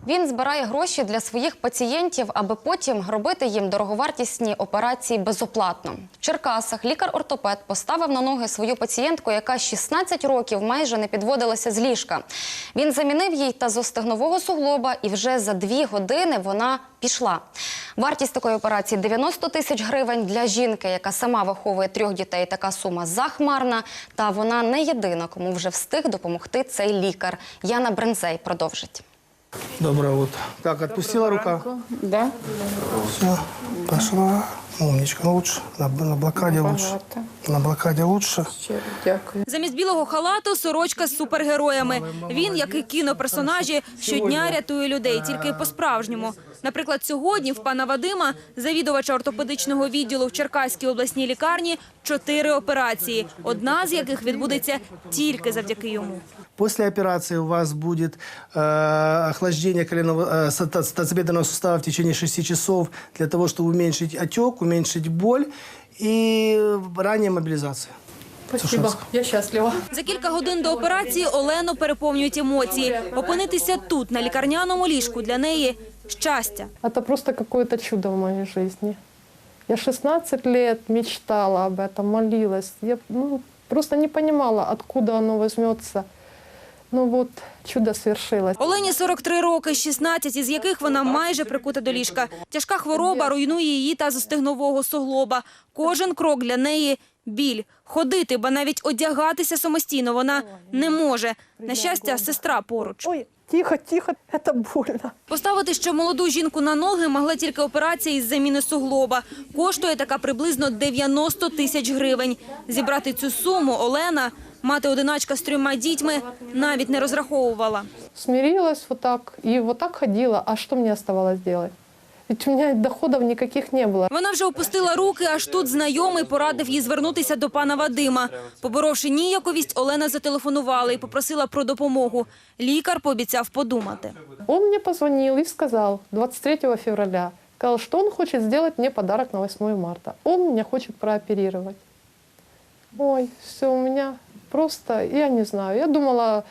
Він збирає гроші для своїх пацієнтів, аби потім робити їм дороговартісні операції безоплатно. В Черкасах лікар-ортопед поставив на ноги свою пацієнтку, яка 16 років майже не підводилася з ліжка. Він замінив їй тазостегнового суглоба, і вже за 2 години вона пішла. Вартість такої операції – 90 тисяч гривень. Для жінки, яка сама виховує 3 дітей, така сума захмарна. Та вона не єдина, кому вже встиг допомогти цей лікар. Яна Брензей продовжить. Доброе утро. Так, отпустила рука? Да. Все, пошла. Умничка, лучше. На блокаде лучше. На блокаде лучше. Щиро дякую. Замість білого халату – сорочка з супергероями. Він, як і кіноперсонажі, щодня рятує людей, тільки по-справжньому. Наприклад, сьогодні в пана Вадима, завідувача ортопедичного відділу в Черкаській обласній лікарні, 4 операції, одна з яких відбудеться тільки завдяки йому. После операции у вас будет охлаждение тазобедренного сустава в течение 6 часов для того, чтобы уменьшить отек, уменьшить боль и ранняя мобилизация. Спасибо, я щаслива. За кілька годин до операції Олену переповнюють емоції. Опинитися тут, на лікарняному ліжку, для неї – щастя. Это просто какое-то чудо в моей жизни. Я 16 лет мечтала об этом, молилась. Я просто не понимала, откуда оно возьмется. Ну вот, чудо свершилось. Олені 43 роки, 16 із яких вона майже прикута до ліжка. Тяжка хвороба руйнує її тазостегнового суглоба. Кожен крок для неї – біль. Ходити, ба навіть одягатися самостійно вона не може. На щастя, сестра поруч. Ой, тихо, тихо, это больно. Поставити ще молоду жінку на ноги могла тільки операція із заміни суглоба. Коштує така приблизно 90 тисяч гривень. Зібрати цю суму Олена, мати-одиначка з 3 дітьми, навіть не розраховувала. Смирилась вот так и вот так ходила. А что мне оставалось делать? Ведь у меня доходов никаких не было. Вона вже опустила руки, аж тут знайомий порадив їй звернутися до пана Вадима. Поборовши ніяковість, Олена зателефонувала і попросила про допомогу. Лікар пообіцяв подумати. Он мне позвонил и сказал 23 февраля, сказал, что он хочет сделать мне подарок на 8 марта. Он меня хочет прооперировать. Ой, все, у меня просто, я не знаю, я думала,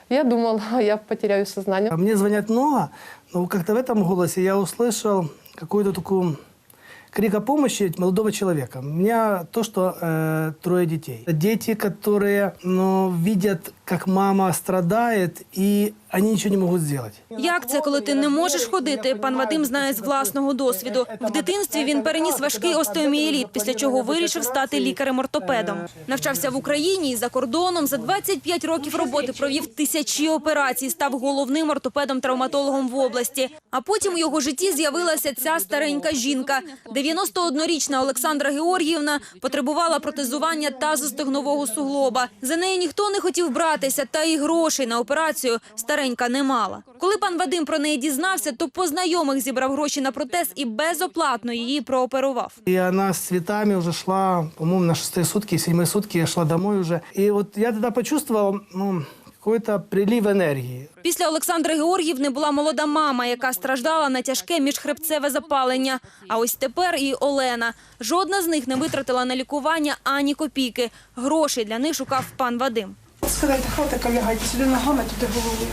я потеряю сознание. Мне звонят много, но как-то в этом голосе я услышал какую-то такую крик о помощи молодого человека. У меня то, что 3 детей. Дети, которые видят, как мама страдает, и они ничего не могут сделать. Як це, коли ти не можеш ходити, пан Вадим знає з власного досвіду. В дитинстві він переніс важкий остеомієліт, після чого вирішив стати лікарем-ортопедом. Навчався в Україні і за кордоном. За 25 років роботи провів тисячі операцій, став головним ортопедом-травматологом в області. А потім у його житті з'явилася ця старенька жінка. 91-річна Олександра Георгіївна потребувала протезування тазостегнового суглоба. За нею ніхто не хотів братися, та і грошей на операцію старенька не мала. Коли пан Вадим про неї дізнався, то по знайомих зібрав гроші на протез і безоплатно її прооперував. И она с цветами уже шла, по-моему, на 6-е сутки, 7-е сутки я шла домой уже. И вот я тогда почувствовал, какой-то прилив енергії. Після Олександри Георгіївни була молода мама, яка страждала на тяжке міжхребцеве запалення. А ось тепер і Олена. Жодна з них не витратила на лікування ані копійки. Грошей для них шукав пан Вадим. Скидайте хатика, лягайте сюди ногами, туди головою.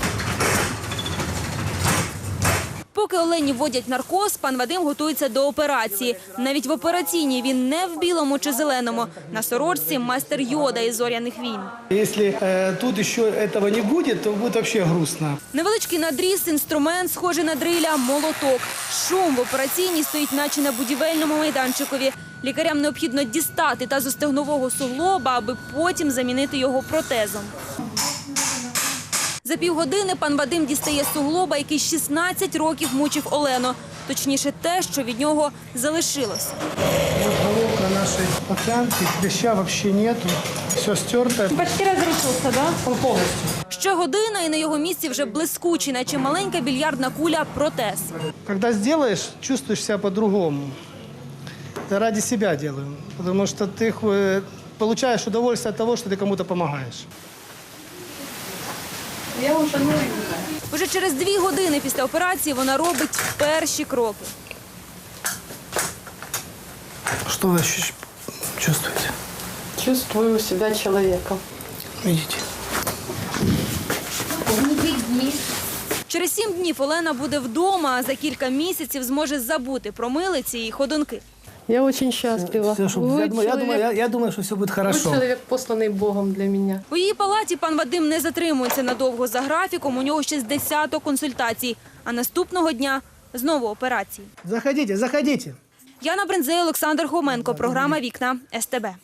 Поки Олені вводять наркоз, пан Вадим готується до операції. Навіть в операційній він не в білому чи зеленому. На сорочці майстер Йода із «Зоряних війн». Якщо тут ще цього не буде, то буде взагалі грустно. Невеличкий надріз, інструмент, схожий на дриля, молоток. Шум в операційній стоїть наче на будівельному майданчикові. Лікарям необхідно дістати тазостегнового суглоба, аби потім замінити його протезом. За півгодини пан Вадим дістає суглоба, який 16 років мучив Олену. Точніше те, що від нього залишилось. Головка нашої пацієнтки, клеща взагалі нету, все стерто. Почти розрушився, да? Повністю. Ще година, і на його місці вже блискучий, наче маленька більярдна куля, протез. Когда сделаешь, чувствуешь себя по-другому. Это ради себя делаю, потому что ты получаешь удовольствие от того, что ты кому-то помогаешь. Я вже не Уже через 2 години після операції вона робить перші кроки. Что вы чувствуете? Чувствую себя человеком. Видите? Через 7 днів Олена буде вдома, а за кілька місяців зможе забути про милиці і ходунки. Я очень счастлива. Все, я думаю, что все будет Вы хорошо. человек, посланный Богом для меня. У її палаті пан Вадим не затримується надовго за графіком, у нього ще з десяток консультацій. А наступного дня знову операції. Заходите, заходите. Яна Бринзей, Олександр Хоменко, програма «Вікна» СТБ.